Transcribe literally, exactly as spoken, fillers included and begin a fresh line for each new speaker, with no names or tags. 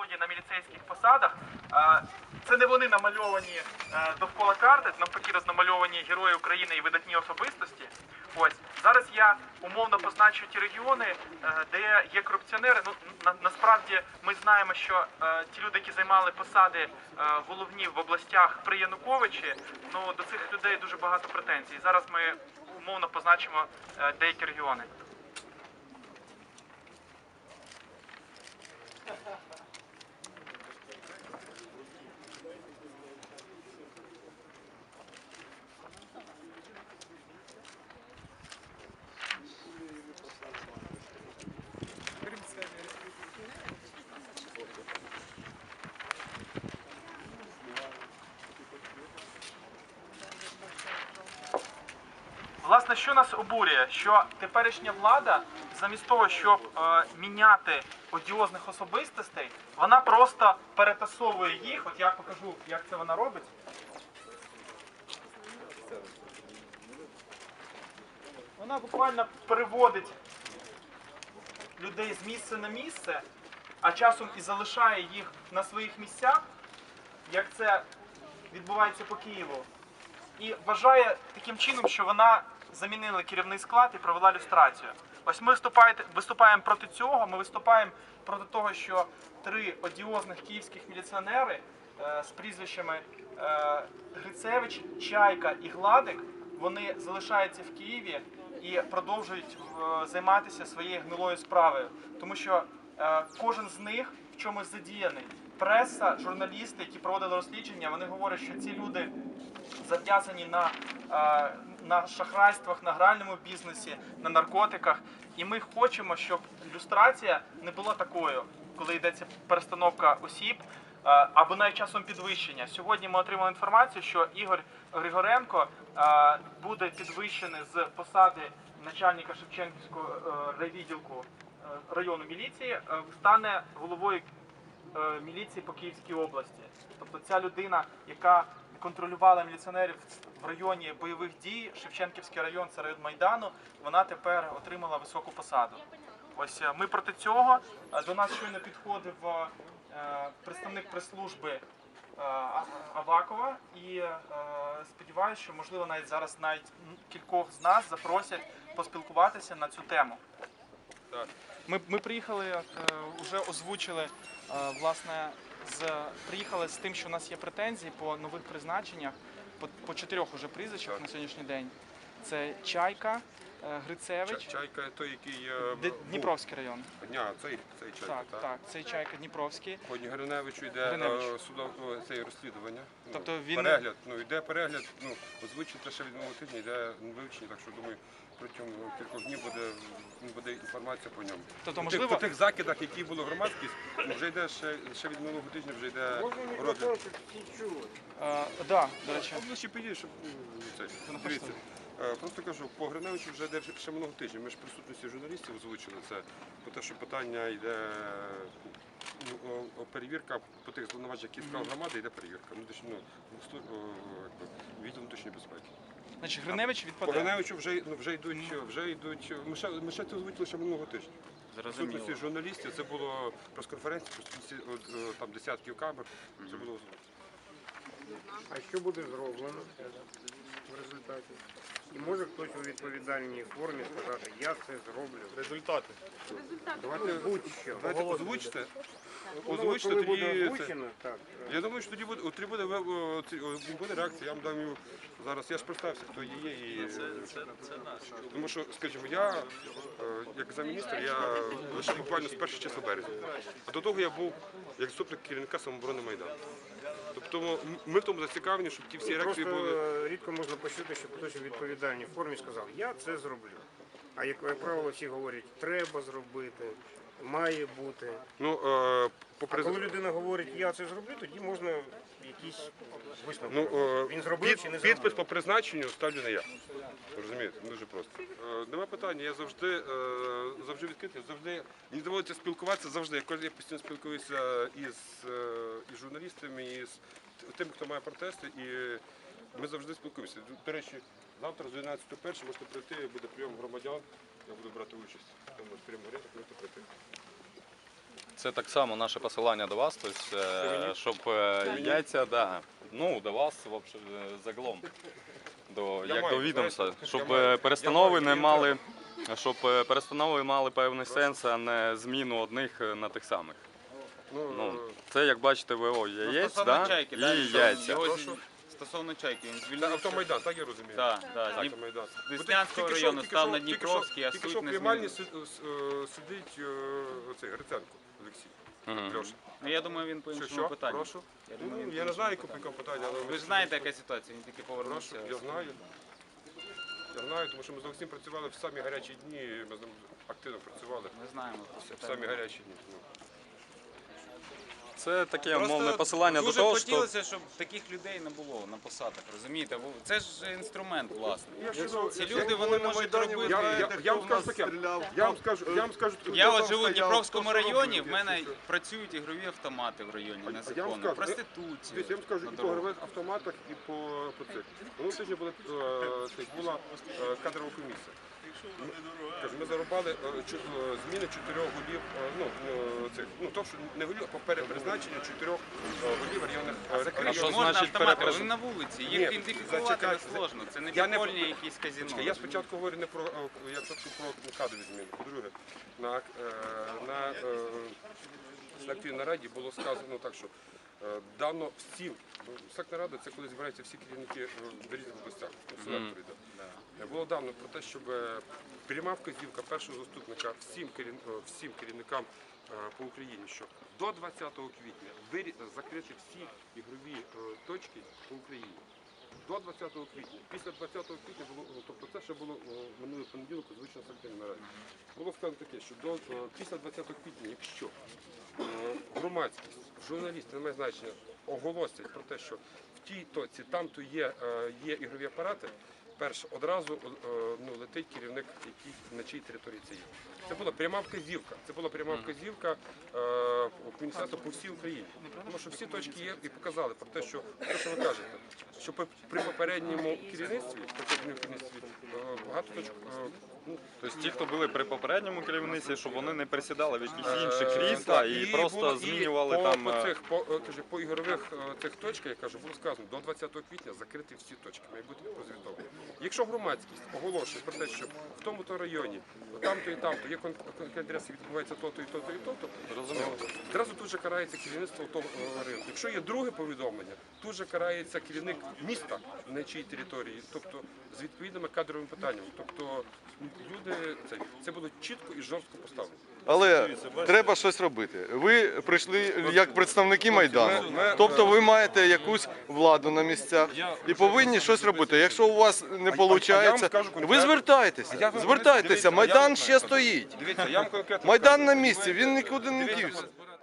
справді на міліцейських посадах. Це не вони намальовані довкола карти, навпаки намальовані герої України і видатні особистості. Ось зараз я умовно позначу ті регіони, де є корупціонери. Ну на, насправді ми знаємо, що е, ті люди, які займали посади е, головні в областях при Януковичі, ну до цих людей дуже багато претензій. Зараз ми умовно позначимо е, деякі регіони. Власне, що нас обурює? Що теперішня влада, замість того, щоб е, міняти одіозних особистостей, вона просто перетасовує їх. От я покажу, як це вона робить. Вона буквально переводить людей з місця на місце, а часом і залишає їх на своїх місцях, як це відбувається по Києву. І вважає таким чином, що вона замінила керівний склад і провела люстрацію. Ось ми виступаємо проти цього, ми виступаємо проти того, що три одіозних київських міліціонери е, з прізвищами е, Грицевич, Чайка і Гладик, вони залишаються в Києві і продовжують е, займатися своєю гнилою справою. Тому що е, кожен з них в чомусь задіяний. Преса, журналісти, які проводили розслідування, вони говорять, що ці люди зав'язані на, на шахрайствах, на гральному бізнесі, на наркотиках. І ми хочемо, щоб люстрація не була такою, коли йдеться перестановка осіб, або навіть часом підвищення. Сьогодні ми отримали інформацію, що Ігор Григоренко буде підвищений з посади начальника Шевченківського райвідділку району міліції, стане головою міліції по Київській області. Тобто ця людина, яка контролювала міліціонерів в районі бойових дій, Шевченківський район, це район Майдану, вона тепер отримала високу посаду. Ось ми проти цього. До нас щойно підходив представник прес-служби Авакова і сподіваюся, що можливо навіть зараз навіть кількох з нас запросять поспілкуватися на цю тему. Ми, ми приїхали, вже озвучили, власне, з, приїхали з тим, що у нас є претензії по нових призначеннях, по, по чотирьох уже прізвищах так. На сьогоднішній день. Це Чайка, Грицевич.
Чайка той, який
Д... Дніпровський район.
Ні, цей, цей Чайка,
так,
так.
Так, цей Чайка Дніпровський.
Ході Гриневичу йде судове це розслідування.
Тобто
ну,
він...
Перегляд, ну йде перегляд, ну, озвучити ще від минулого тижня, йде вивчення, так що думаю, протягом кількох днів буде, буде інформація по ньому.
Тобто,
по,
можливо...
тих, по тих закидах, які були громадськість, вже йде ще, ще від минулого тижня, вже йде розгляд.
Так, да, до речі.
Обличчя підійде, щоб це, дивіться. Просто кажу, по Гриневичу вже йде ще минулого тижня. Ми ж в присутності журналістів озвучили це, по те, що питання йде, ну, перевірка по тих звинуваченнях, які справ громади, йде перевірка. Ну, ну, відділ внутрішньої безпеки.
Значить, Гриневич відпаде?
По Гриневичу вже, вже йдуть, вже йдуть, ми ще, ми ще це озвучили ще минулого тижня. В присутності журналістів, це було прес-конференція, там десятків камер, це було озвучено.
А що буде зроблено в результаті? І може хтось у відповідальній формі сказати, я це зроблю.
Результати.
Давайте будь-що.
Давайте озвучте. Озвучте,
Коли
тоді
буде
це...
озвучено, так.
Я думаю, що тоді буде, тоді буде, буде реакція, я вам дам його зараз. Я ж представився, хто є. І... Це, це, це наш. Тому що, скажімо, я, як замміністра, я лише буквально з першого числа березня. А до того я був як заступник керівника самооборони Майдану. Тобто ми в тому зацікавлені, щоб ті всі реакції були...
Просто рідко можна почути, щоб хтось у відповідальній формі сказав, я це зроблю. А як, як правило, всі говорять, треба зробити, має бути.
Ну, е, по
а коли людина говорить, я це зроблю, тоді можна якісь висновки.
Ну, е,
Він зробив
під,
чи не
підпис
зробив?
по призначенню ставлю не я. Розумієте? Дуже просто. Е, нема питання, я завжди, е, завжди відкритий, завжди, мені доводиться спілкуватися завжди. Я постійно спілкуюся із, е, із журналістами, із тими, хто має протести, і ми завжди спілкуємося. До речі, завтра з одинадцятої першої можете прийти, буде прийом громадян, я буду брати участь. Тому прийом горіти, можете прийти.
Це так само наше посилання до вас, тобто, е, щоб е, яйця, да, ну, до вас вообще, е, загалом, до,
Я
як
маю,
до відомства,
знаєте,
щоб
я маю.
е, перестанови
Я
не
маю,
мали, щоб е, перестанови мали певний сенс, а не зміну одних е, на тих самих.
Ну,
Ну,
е,
це, як бачите, ВО яєць,
Стосовно
да,
чайки,
і
да,
яйця.
його
Прошу?
з- стосовно чайки, він
це
звільнився.
автомайдан, так я розумію?
Так, так,
Так,
з
автомайдан.
Деснянського
Тільки що-
району
тільки
став
що-
на
тільки що-
Дніпровський, а
Тільки
суть
що в
не
приймальні
змінився.
си- е, сидить е, оцей Гриценко Олексій.
Мгм.
Льоша.
Ну, я думаю, він по
Що,
іншому
що?
питанню.
Прошу?
Я думаю,
Ну,
він
я
по
не знаю,
іншому
яке питання, але
Ви ж знаєте, яка ситуація, він тільки
Прошу,
повернувся.
я знаю. Я знаю, тому що ми з Олексієм працювали в самі гарячі дні, ми з ним активно працювали
Ми знаємо.
в самі гарячі дні. Ну.
Це таке
Просто
мовне посилання до
дуже
того, що
хотілося, щоб таких людей не було на посадах, розумієте? Бо це ж інструмент, власне. Ці люди, вони можуть робити...
Я, я, я вам скажу таке, я вам скажу, я вам скажу,
Я от живу в Дніпровському районі, в мене працюють ігрові автомати в районі
я вам
незаконно,
скажу,
проституція.
Дивіться, я вам скажу
на
і по
дорогах.
гравих автоматах, і по, по цих. Воно тижні була, е, цих, була е, кадрова комісія. Ми, кажу, ми зарубали е, чу- е, зміни чотирьох голів, е, ну, е, цих, ну, то, що не голів, а по перепризначенню чотирьох е, голів районних е,
Закрити
що
можна
значить
автомати,
перепрез-
вони на вулиці,
Ні,
їх ідентифікувати
зачекайте,
не сложно. Це не
я не-
підпольні якісь казино.
Я спочатку говорю не про, е, я спочатку про кадрові зміни. По-друге, на, е, на е, селективній нараді було сказано так, що е, дано всім, ну, селективна рада це коли збираються всі керівники е, в різних областях, ну, селекторі, да. Е, Було дано про те, щоб е, пряма вказівка першого заступника всім, керів, е, всім керівникам е, по Україні, що до двадцятого квітня вирі- закрити всі ігрові е, точки по Україні. До двадцятого квітня. Після двадцятого квітня було, ну, тобто це ще було о, минулий понеділок, звичайно, селективній нараді. Було сказано таке, що до, о, після двадцятого квітня, якщо о, громадськість, журналісти, не має значення, оголосять про те, що в тій точці, там то є, е, є ігрові апарати, перше, одразу е, ну, летить керівник, який, на чиїй території це є. Це була пряма вказівка. Це була пряма вказівка е, міністерства по всій Україні. Тому що всі точки є і показали про те, що те, що ви кажете, що при- при попередньому керівництві, попередньому керівництві е, багато точок. е, ну,
Тобто ті, хто були при попередньому керівництві, щоб вони не присідали в якісь
Е,
інші крісла
так,
і просто
було- і
змінювали
по,
там.
по
е,
цих по, е, кажу, по ігрових е, цих точках, я кажу, було сказано до двадцятого квітня закрити всі точки, має бути розвідовано. Якщо громадськість оголошує про те, що в тому-то районі, там-то і там-то є кон- конкретні адреси, відбувається то-то і то-то і то-то,
Зрозуміло.
одразу тут же карається керівництво того е, району. Якщо є друге повідомлення, тут же карається керівник міста на чиїй території, тобто з відповідними кадровими питаннями. Тобто люди це, це було чітко і жорстко поставлено.
Але треба щось робити. Ви прийшли як представники Майдану,
ми-
тобто ви маєте якусь владу на місцях і повинні щось робити. Якщо у вас не
а я вам
виходить,
скажу
ви
конкретно.
звертайтеся,
А я вам-
звертайтеся.
дивіться, а я
Майдан
вам
ще
скажу.
стоїть.
Дивіться, я вам конкретно
Майдан
скажу.
на місці, він нікуди не
Дивіться,
дівся.